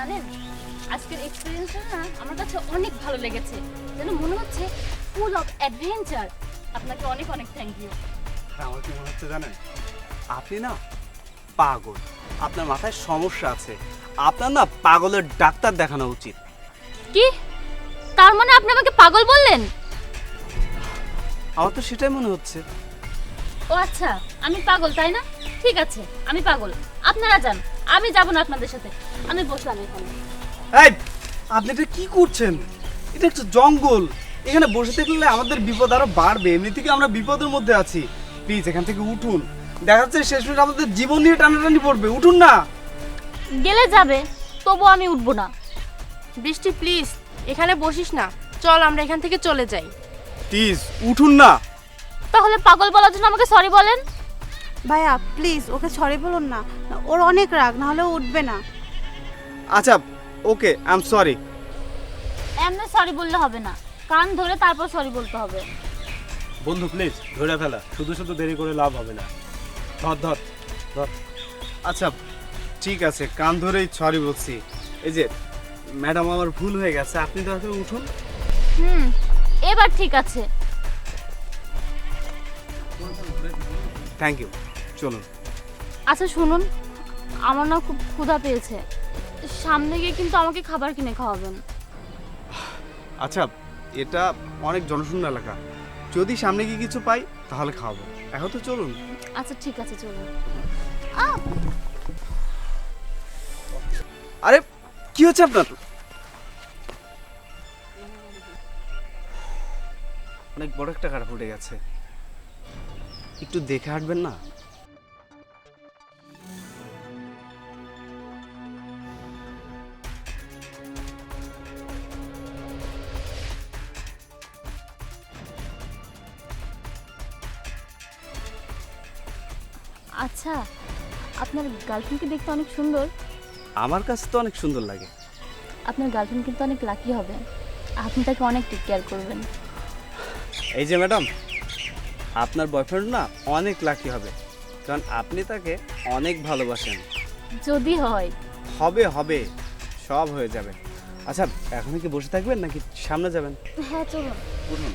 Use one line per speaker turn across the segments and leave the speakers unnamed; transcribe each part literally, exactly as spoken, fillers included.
জানেন আজকের এক্সপেরিয়েন্সটা না আমার কাছে অনেক ভালো লেগেছে, যেন মনে হচ্ছে ফুল অফ অ্যাডভেঞ্চার। আপনাকে অনেক অনেক থ্যাংক ইউ।
আর আমার কি মনে হচ্ছে জানেন, আপনি না পাগল, আপনার মাথায় সমস্যা আছে, আপনার না পাগলের ডাক্তার দেখানো উচিত।
কি তার মানে আপনি আমাকে পাগল বললেন?
আমার তো সেটাই মনে হচ্ছে।
ও আচ্ছা, আমি পাগল তাই না? ঠিক আছে, আমি পাগল, আপনারা যান, আমি যাব না আপনাদের সাথে। আমি বসলাম এখানে।
এই, আপনি এটা কি করছেন? এটা একটা জঙ্গল, এখানে বসে থাকলে আমাদের বিপদ আরো বাড়বে। এমনি থেকে আমরা বিপদের মধ্যে আছি। প্লিজ এখান থেকে উঠুন, দেখা যাচ্ছে শেষমেশ আমাদের জীবন নিয়ে টানাটানি পড়বে। উঠুন না।
গেলে যাবে, তবু আমি উঠবো না।
বৃষ্টি প্লিজ এখানে বসিস না, চল আমরা এখান থেকে চলে যাই।
প্লিজ উঠুন না।
তাহলে পাগল বলার জন্য আমাকে সরি বলেন।
ভাইয়া প্লিজ ওকে সরি বলুন না, ওর অনেক রাগ, না হলে ও উঠবে না।
আচ্ছা ওকে, আই এম সরি।
এমনি সরি বললে হবে না, কান ধরে তারপর সরি বলতে হবে।
বন্ধু প্লিজ ধরে ফেলা, শুধু শুধু দেরি করে লাভ হবে না। ধর ধর ধর।
আচ্ছা ঠিক আছে, কান ধরেই সরি বলছি। এই যে ম্যাডাম, আমার ভুল হয়ে গেছে, আপনি দয়া করে উঠুন।
হুম, এবার ঠিক আছে।
থ্যাংক ইউ, চলুন।
আচ্ছা শুনুন, আমার না খুব ক্ষুধা পেয়েছে, সামনে গিয়ে কিন্তু আমাকে খাবার কিনে খাওয়াবেন।
আচ্ছা, এটা অনেক জনশূন্য এলাকা, যদি সামনে গিয়ে কিছু পাই তাহলে খাওয়াবো। এখন তো চলুন।
আচ্ছা ঠিক আছে, চলুন।
আরে কি হচ্ছে আপনার? অনেক বড় একটা কাটা ফুটে গেছে, একটু দেখে হাঁটবেন না?
আচ্ছা, আপনার গার্লফ্রেন্ডকে দেখতে অনেক সুন্দর।
আমার কাছে তো অনেক সুন্দর লাগে।
আপনার গার্লফ্রেন্ড কিন্তু অনেক লাকি হবে, আপনি তাকে অনেক টেক কেয়ার করবেন।
এই যে ম্যাডাম, আপনার বয়ফ্রেন্ড না অনেক লাকি হবে, কারণ আপনি তাকে অনেক ভালোবাসেন।
যদি হয়।
হবে হবে, সব হয়ে যাবে। আচ্ছা এখন কি বসে থাকবেন নাকি সামনে যাবেন?
হ্যাঁ চলুন।
উঠুন।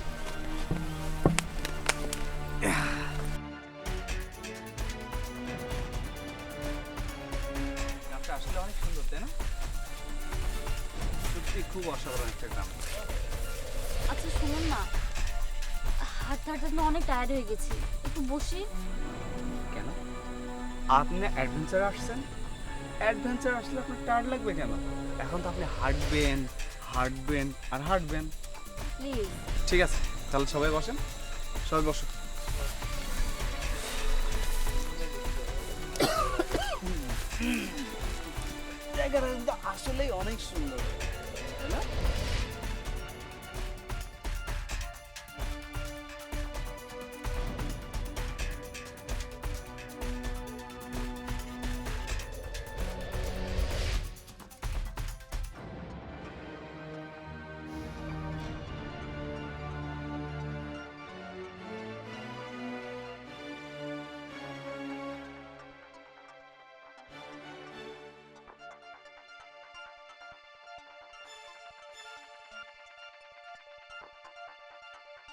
গ্রামটা আসলে অনেক সুন্দর, তাই না? সত্যি খুব অসাধারণ একটা গ্রাম।
আচ্ছা শুনুন না, হাঁটতে হাঁটতে আমি অনেক টায়ার্ড হয়ে গেছি, একটু বসি।
কেন? আপনি অ্যাডভেঞ্চার আসছেন, অ্যাডভেঞ্চার আসলে আপনার টায়ার্ড লাগবে কেন? এখন তো আপনি হাঁটবেন হাঁটবেন আর হাঁটবেন।
প্লিজ।
ঠিক আছে, তাহলে সবাই বসেন, সবাই বসো। জায়গাটা কিন্তু আসলেই অনেক সুন্দর, তাই না?